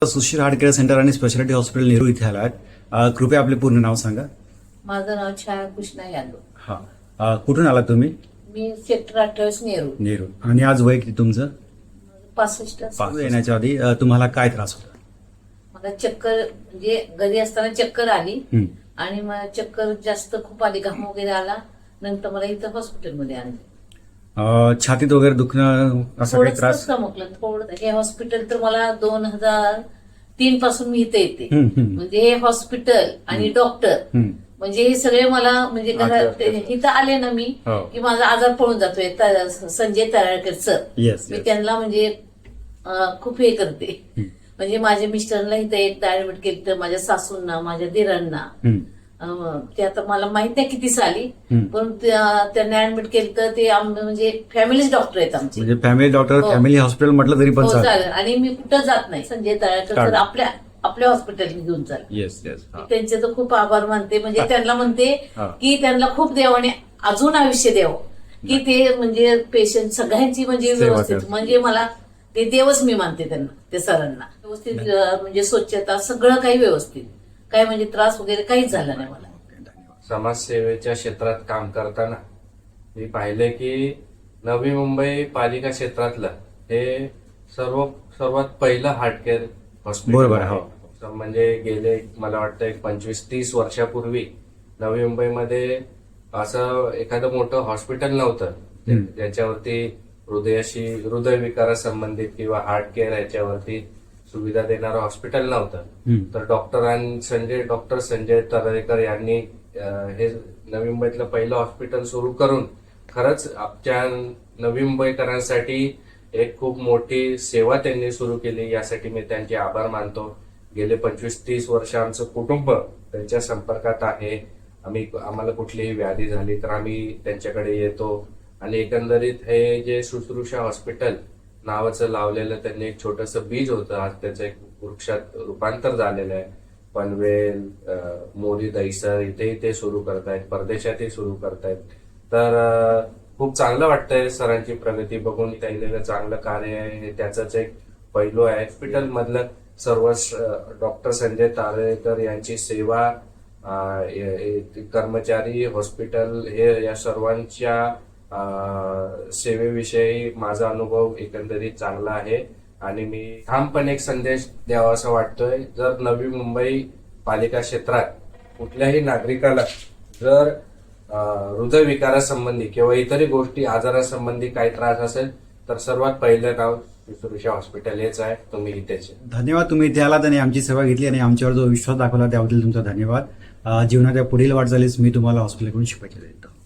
Sushil heart care centre आणि speciality hospital Nehru इथे आलात. कृपया आपले पूर्ण नाव सांगा. माझं नाव छाया कृष्णा यादव. हा, कुठून आलात तुम्ही? मी सेक्टर 28 नेहरू. आणि आज वय किती तुमचं? 65. येण्याच्या आधी तुम्हाला काय त्रास होता? मला चक्कर म्हणजे घरी असताना चक्कर आली हं. आणि मला चक्कर जास्त खूप आली, घाम वगैरे आला. नंतर मला इथं हॉस्पिटलमध्ये आणलं. छातीत वगैरे दुखणं असं काही थोडंच त्रास? चमकलं थोडं. हे हॉस्पिटल तर मला 2003 पासून मी इथे येते. हं, हं. म्हणजे हे हॉस्पिटल आणि डॉक्टर हं. म्हणजे हे सगळे मला म्हणजे घरात इथं आले ना मी हो. की माझा आजार पळून जातोय. संजय तराळकर सर, येस, मी येस. त्यांना म्हणजे खूप हे करते. हं. म्हणजे माझ्या मिस्टरला इथं एकदा ऍडमिट केलं, तर माझ्या सासूंना, माझ्या दिरांना. हं. ते आता मला माहित नाही किती साली, हं. पण त्यांना ऍडमिट केलं तर ते म्हणजे फॅमिलीच डॉक्टर आहेत आमचे. म्हणजे फॅमिली डॉक्टर, हो. फॅमिली हॉस्पिटल म्हटलं तरी पण हो, चालेल. चालेल. आणि मी कुठं जात नाही. संजय तळाळकर सर आपल्या हॉस्पिटल घेऊन चालेल. Yes, yes. त्यांचे तर खूप आभार मानते. म्हणजे त्यांना म्हणते हा. की त्यांना खूप देवाने अजून आयुष्य द्यावं, की ते म्हणजे पेशंट सगळ्यांची म्हणजे सेवा व्यवस्थित, करतात. म्हणजे मला ते देवच मी मानते त्यांना, ते सरांना. व्यवस्थित म्हणजे स्वच्छता सगळं काही व्यवस्थित, काही म्हणजे त्रास वगैरे काहीच झाला नाही मला. समाजसेवेच्या क्षेत्रात काम करताना मी पाहिले की नवी मुंबई पालिका क्षेत्रातलं हे सर्वात पहिलं हार्ट केअर हॉस्पिटल बरोबर, आहे. हो. म्हणजे गेले मला वाटतं एक 25-30 वर्षापूर्वी नवी मुंबईमध्ये असं एखादं मोठं हॉस्पिटल नव्हतं ज्याच्यावरती हृदयविकारासंबंधित किंवा हार्ट केअर याच्यावरती सुविधा देणारं हॉस्पिटल नव्हतं. तर डॉक्टर संजय तराळकर यांनी हे नवी मुंबईतलं पहिलं हॉस्पिटल सुरू करून खरंच आमच्या नवी मुंबईकरांसाठी एक खूप मोठी सेवा त्यांनी सुरू केली. यासाठी मी त्यांचे आभार मानतो. गेले 25-30 वर्ष आमचं कुटुंब त्यांच्या संपर्कात आहे. आम्हाला कुठलीही व्याधी झाली तर आम्ही त्यांच्याकडे येतो. आणि एकंदरीत हे जे शुश्रूषा हॉस्पिटल नावाचं लावलेलं त्यांनी एक छोटंसं बीज होतं, आज त्याचं एक वृक्षात रूपांतर झालेलं आहे. पनवेल, मोरी, दहिसर इथेही ते सुरू करतायत, परदेशातही सुरू करतायत. तर खूप चांगलं वाटतंय सरांची प्रगती बघून. त्यांनी चांगलं कार्य आहे हे त्याचंच एक पैलू आहे. हॉस्पिटल मधलं सर्व डॉक्टर संजय तारेकर यांची सेवा, कर्मचारी, हॉस्पिटल हे या सर्वांच्या सेवेविषयी माझा अनुभव एकंदरीत चांगला आहे. आणि मी ठामपणे एक संदेश द्यावा असं वाटतोय, जर नवी मुंबई पालिका क्षेत्रात कुठल्याही नागरिकाला जर हृदयविकारासंबंधी किंवा इतरही गोष्टी आजारासंबंधी काही त्रास असेल तर सर्वात पहिलं नाव शुश्रूषा हॉस्पिटल हेच आहे. तुम्ही इथेच. धन्यवाद, तुम्ही इथे आलात आणि आमची सेवा घेतली आणि आमच्यावर जो विश्वास दाखवला त्याबद्दल तुमचा धन्यवाद. जीवनाच्या पुढील वाटचालीस मी तुम्हाला हॉस्पिटलकडून शुभेच्छा देतो.